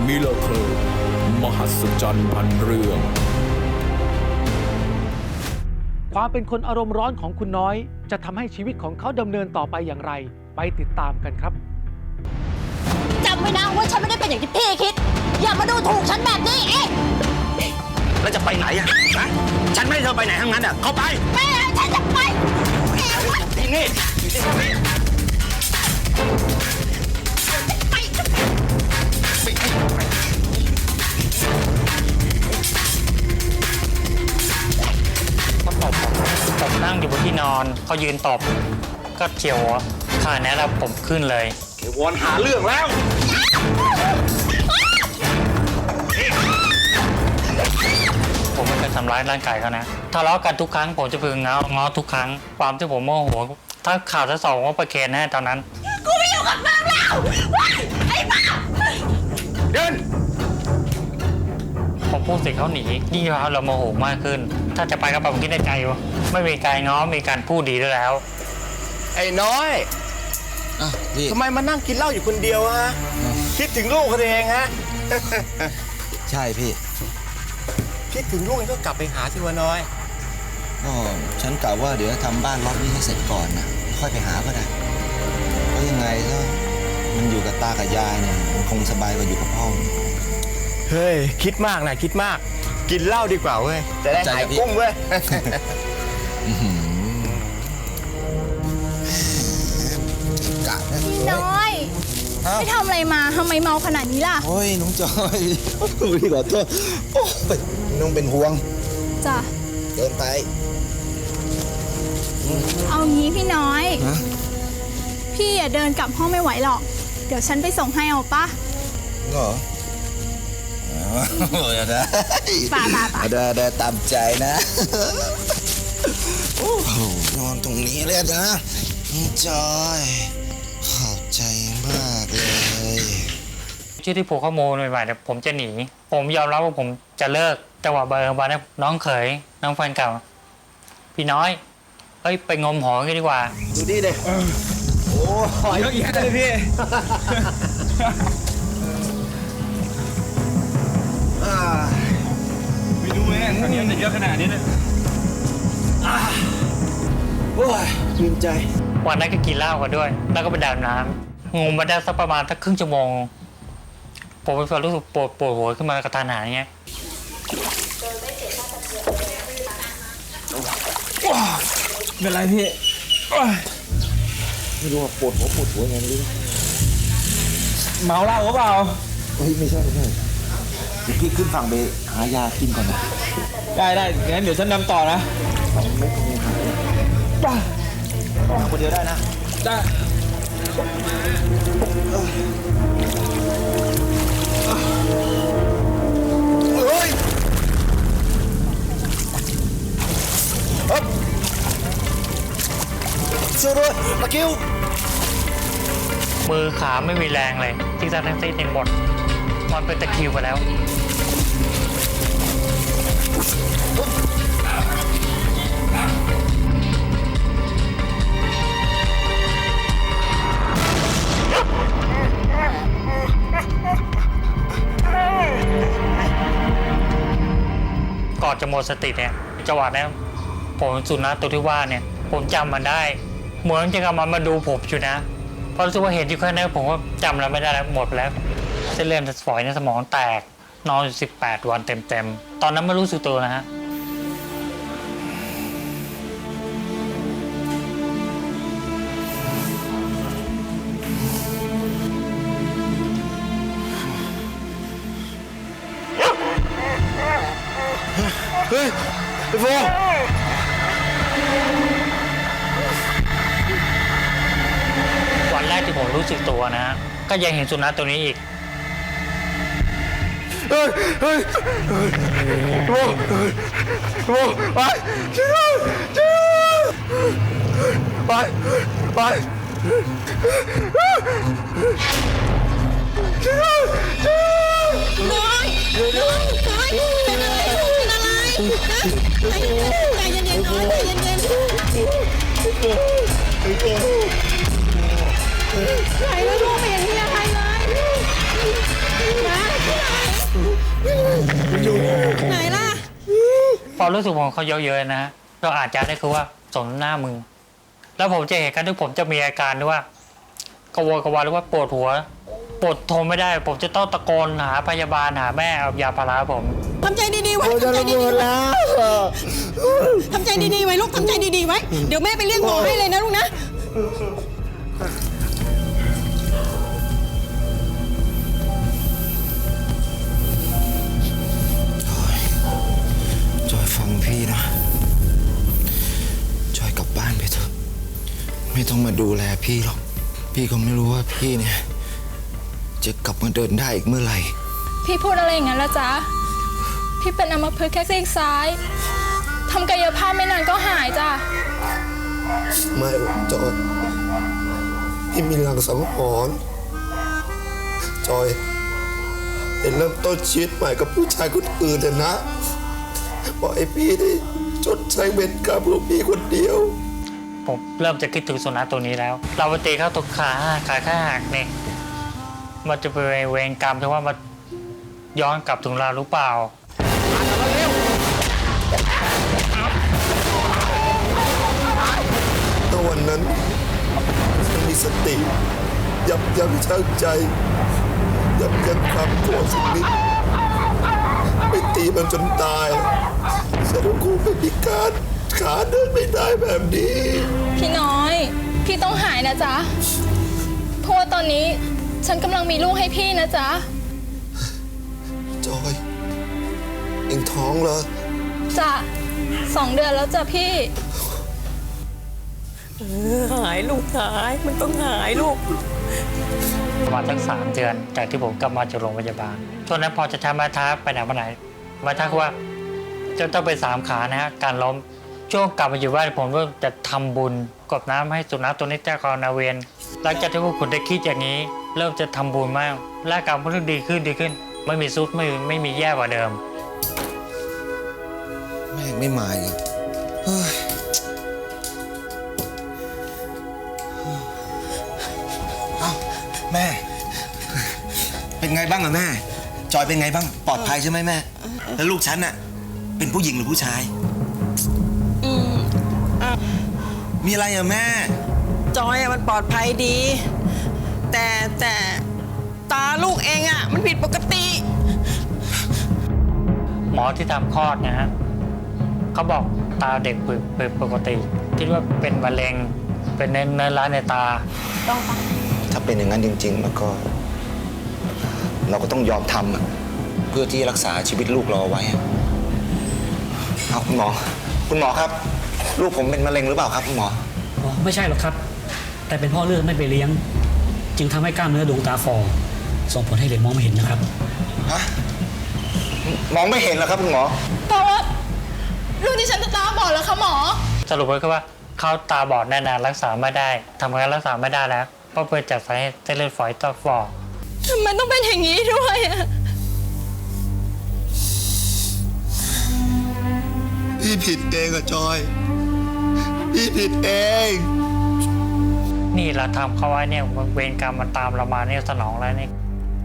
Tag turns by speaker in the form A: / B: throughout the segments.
A: มิราเคิลมหัศจรรย์พันเรื่อง
B: ความเป็นคนอารมณ์ร้อนของคุณน้อยจะทำให้ชีวิตของเขาดำเนินต่อไปอย่างไรไปติดตามกันครับ
C: จำไว้นะว่าฉันไม่ได้เป็นอย่างที่พี่คิดอย่ามาดูถูกฉันแบบนี้
D: แล้วจะไปไหนอะฮะฉันไม่ให้เธอไปไหนทั้งนั้นอะเข้าไป
C: แม่ฉันจะไป
D: นี่
E: ผมนั่งอยู่บนที่นอนเขายืนตบก็เฉียวขาแนะแล้วผมขึ้นเลย
D: เดี๋ยววอนหาเรื่องแล้ว
E: ผมไม่เคยทำร้ายร่างกายเขานะทะเลาะกันทุกครั้งผมจะพึงง้อทุกครั้งความที่ผมโมโหถ้าข่าวทั้งสองว่าประเคนแน่ตอนนั้น
C: กูไม่อยู่กับมึงแล้วไอ้บ้า
D: เดิน
E: ผมพูดเสร็จเขาหนีนี่เราโมโหมากขึ้นถ้าจะไปก็ผมคิดในใจว่าไม่มีการง้อมีการพูดดีด้วยแล้ว
D: ไอ้น้อยทำไมมานั่งกินเหล้าอยู่คนเดียวฮะคิดถึงลูกเขาเองฮะ
F: ใช่พี่
D: คิดถึงลูกก็กลับไปหาสิวะน้อย
F: ก็ฉันกะว่าเดี๋ยวทำบ้านล็อตนี้ให้เสร็จก่อนนะค่อยไปหาก็ได้เพราะยังไงถ้ามันอยู่กับตากับยายเนี่ยมันคงสบายกว่าอยู่กับพ่อ
D: เฮ้ยคิดมากนะคิดมากกินเหล้าดีกว่าเว้ยจะได้หายกุ้งเว้ย
G: พี่น้อยไปทำอะไรมาทำไมเมาขนาดนี้ล่ะ
F: โอ้ยน้องจอยพี่ขอโทษโอ้ยน้องเป็นห่วง
G: จ้ะ
F: เดินไป
G: เอางี้พี่น้อยพี่อย่าเดินกลับห้องไม่ไหวหรอกเดี๋ยวฉันไปส่งให้เอาปะ
F: เหรอได้ได้ตามใจนะโอ้โหนอนตรงนี้เลยนะจอยขอบใจมากเลย
E: ที่ผูกข้อมูลใหม่ๆเนี่ยผมจะหนีผมยอมรับว่าผมจะเลิกแต่ว่าเบอร์วันนี้น้องเขยน้องแฟนเก่าพี่น้อยเฮ้ยไปงมหอกันดีกว่า
D: ดูดิเด็กโอ้หอยเยอะแยะเลยพี่ไม่รู้เลยตอนนี้มันเยอะขนาดนี้เลยโอ้ยชื่นใจ
E: วันนั้นก็กินเหล้ากันด้วยแล้วก็ไปดำน้ำงมมาได้สักประมาณสักครึ่งชั่วโมงผมไปรู้สึกปวดหัวขึ้นมากระทันหันอย่างเงี้ย
D: เป็นไรพี่ไม่รู้ว่าปวดหัวไงไม่รู้เมาเหล้าหรือเปล่า
F: เฮ้ยไม่ใช่เดี๋ยวพี่ขึ้นฝั่งไปหายากินก่อนนะ
D: ได้งั้นเดี๋ยวฉันนำต่อนะคนเดียวได้นะได้เฮ้ยช่วยด้วยตะคิว
E: มือขาไม่มีแรงเลยที่จะทั้งซีดในหมดมันเป็นตะคิวไปแล้วก่อนจะหมดสติเนี่ยจังหวะนี้ผมสุนัขตัวที่ว่าเนี่ยผมจำมันได้เหมือนจะกำลังมาดูผมอยู่นะเพราะรู้สึกว่าเห็นอยู่แค่นั้นผมก็จำแล้วไม่ได้แล้วหมดแล้วเส้นเลือดฝอยในสมองแตกนอนอยู่18 วันเต็มๆตอนนั้นไม่รู้สึกตัวนะฮะ
D: เฮ้ยไอ้โฟ
E: วันแรกที่ผมรู้สึกตัวนะก็ยังเห็นสุนัขตัวนี้อีก
D: เฮ้ยโฟไปช่วยไป
C: น้อยเป็นอะไรใจเย็นๆน้อยใจเย็นๆไหนแล้วลูกเป็นอย่างนี้ใครเลยนะ
E: ความรู้สึกของเขาเยอะๆนะฮะเราอาจจะได้คือว่าสมหน้ามึงแล้วผมจะเห็นกันที่ผมจะมีอาการด้วยว่ากระวนกระวายหรือว่าปวดหัวปวดทนไม่ได้ผมจะต้องตะโกนหาพยาบาลหาแม่เอายาพาราผม
C: ทำใจดีๆไว้ทำใจดีๆทำใจดีๆไว้ลูกทำใจดีๆไว้เดี๋ยวแม่ไปเรียกหมอให้เลยนะลูกนะ
F: จอยฟังพี่นะ จอยกลับบ้านไปเถอะไม่ต้องมาดูแลพี่หรอกพี่ก็ไม่รู้ว่าพี่เนี่ยจะกลับมาเดินได้อีกเมื่อไหร่
G: พี่พูดอะไรอย่างนั้นละจ๊ะ พี่เป็นอัมพฤกษ์แค่ซีกซ้ายทำกายภาพไม่นานก็หายจ้ะ
H: ไม่หรอกจอยพี่มีหลังสังหรณ์จอยเป็นเริ่มต้นชีวิตใหม่กับผู้ชายคนอื่นนะบอกให้พี่ได้ชดใช้เวรกรรมของพี่คนเดียว
E: ผมเริ่มจะคิดถึงสุนัขตัวนี้แล้ว เราไปตีเข้าตรงขาข้างหักเนี่ยมันจะเป็นเวรกรรมที่ว่ามันย้อนกลับถึงเราหรือเปล่า
H: ถ้าวันนั้นฉันมีสติยับยั้งชั่งใจยับยั้งความโกรธสักนิดไม่ตีมันจนตายฉันคงไม่มีการขาเดินไม่ได้แบบนี้
G: พี่น้อย พี่ต้องหายนะจ๊ะ เพราะว่าตอนนี้ฉันกำลังมีลูกให้พี่นะจ๊ะ
H: จอยเอ็งท้องเหรอ
G: จ้ะ2 เดือนแล้วจ้ะพี่
C: หายลูกหายมันต้องหายลูก
E: ประมาณทั้ง3 เดือนจากที่ผมกลับมาจากโรงพยาบาลช่วงนั้นพอจะทำมาท้าไปไหนมาไหนมาท้าว่าจะต้องไป3 ขานะฮะการล้มช่วงกลับมาอยู่บ้านผมก็จะทำบุญกรวดน้ำให้สุนัขตัวนี้เจ้ากรนาเวรหลังจากที่พวกคุณได้คิดอย่างนี้เริ่มจะทำบุญมากร่างกายมันเริ่มดีขึ้นไม่มีซุดไม่มีแย่กว่าเดิม
F: แม่งไม่มาอีกเฮ้ยเอ้าแม่ เป็นไงบ้างอะแม่ จอยเป็นไงบ้างปลอดภัยใช่ไหมแม่ แล้วลูกฉันน่ะเป็นผู้หญิงหรือผู้ชายมีอะไรอะแม่
I: จอยมันปลอดภัยดี แต่ตาลูกเองอ่ะมันผิดปกติ
E: หมอที่ทำคลอดนะฮะเขาบอกตาเด็กเปิดปกติคิดว่าเป็นมะเร็งเป็นเนื้อร้ายในตา
F: ถ้าเป็นอย่างนั้นจริงๆแล้วก็ เราก็ต้องยอมทำอะเพื่อที่รักษาชีวิตลูกเราเอาไว้อะเอาคุณหมอครับ ลูกผมเป็นมะเร็งหรือเปล่าครับคุณหมอ
J: อ๋อไม่ใช่หรอกครับ แต่เป็นเพ่อเลือดไม่ไปเลี้ยง จึงทำให้กล้ามเนื้อดวงตาฝ่อส่งผลให้เด็กมองไม่เห็นนะครับ
F: ฮะ มองไม่เห็นเหรอครับคุณหมอ
G: เพราะว่าลูกที่ฉันจะตาบอดแล้วค่ะหมอ
E: สรุปไว้ก็ว่าเขาตาบอดแน่นานรักษาไม่ได้ทำงานรักษาไม่ได้แล้วเพราะเกิดจากสาเหตุเส้นเลือดฝอยต่อฝ่อ
G: ทำไมต้องเป็นอย่างนี้ด้วยอะ
H: พี่ผิดเองอะจอย พี่ผิดเอง
E: นี่เราทำเขาไว้เนี่ยเวรกรรมมันตามเรามาเนี่ยสนองแล้วเนี่ย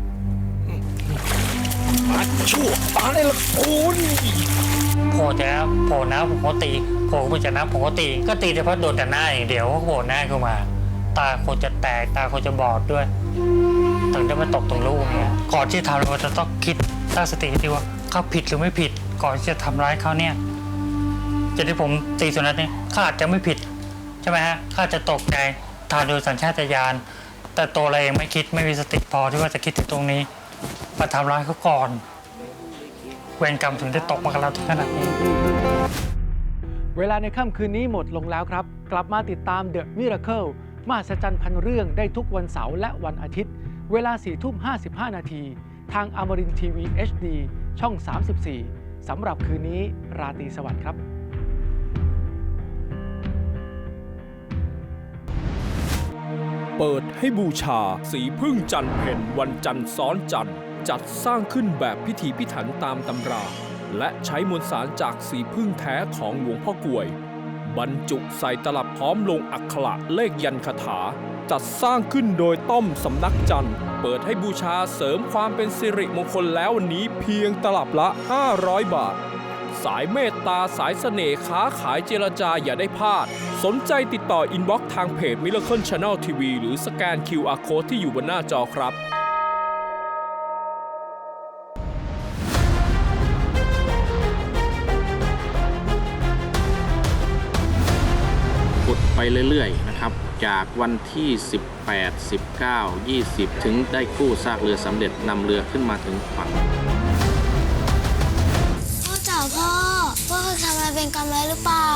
A: ชั่วตายละคุณ
E: โผล่แต่โผล่น้ำผมก็ตีโผล่มาจากน้ำผมก็ตีก็ตีแต่เพราะโดนแต่หน้าอย่างเดียวก็โผล่หน้าขึ้นมา ตาคนจะแตกตาคนจะบอดด้วยถึงได้มาตกตรงลูกเนี่ยก่อนที่ทำเราจะต้องคิดตั้งสติดีว่าเขาผิดหรือไม่ผิดก่อนที่จะทำร้ายเขาเนี่ยจะที่ผมตีสุนัขเนี่ยเขาอาจจะไม่ผิดใช่ไหมฮะเขาอาจจะตกใจทานโดยสัญชาตญาณแต่ตัวเราเองไม่คิดไม่มีสติพอที่ว่าจะคิดถึงตรงนี้มาทำร้ายเขาก่อนเวรกรรมถึงได้ตกมากับเราถึงขนาดนี้
B: เวลาในค่ำคืนนี้หมดลงแล้วครับ กลับมาติดตาม The Miracle มหัศจรรย์พันเรื่องได้ทุกวันเสาร์และวันอาทิตย์ เวลา 4:55 นาทีทางอมรินทร์ทีวี HD ช่อง 34 สำหรับคืนนี้ราตรีสวัสดิ์ครับ
A: เปิดให้บูชาสีพึ่งจันทร์เพ็ญวันจันทร์ซ้อนจันทร์จัดสร้างขึ้นแบบพิถีพิถันตามตำรา และใช้มวลสารจากสีพึ่งแท้ของหลวงพ่อกลวย บรรจุใส่ตลับพร้อมลงอักขระเลขยันคาถา จัดสร้างขึ้นโดยต้อมสำนักจันทร์เปิดให้บูชาเสริมความเป็นสิริมงคลแล้ววันนี้เพียงตลับละ500 บาทสายเมตตาสายเสน่ห์ค้าขายเจรจาอย่าได้พลาด สนใจติดต่ออินบ็อกซ์ทางเพจ Miracle Channel TV หรือสแกน QR Code ที่อยู่บนหน้าจอครับ
K: กดไปเรื่อยๆนะครับจากวันที่ 18 19 20 ถึงได้กู้ซากเรือสำเร็จนำเรือขึ้นมาถึงฝั่ง
L: พ่อจ๋าพ่อเคยทำอะไรเป็นกรรมแล้วหรือเปล่า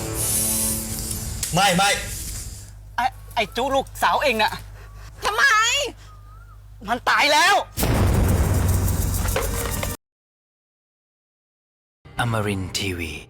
D: ไม่
I: ไอ้จูลูกสาวเองน่ะ
C: ทำไม
I: มันตายแล้ว
M: Amarin Tiwi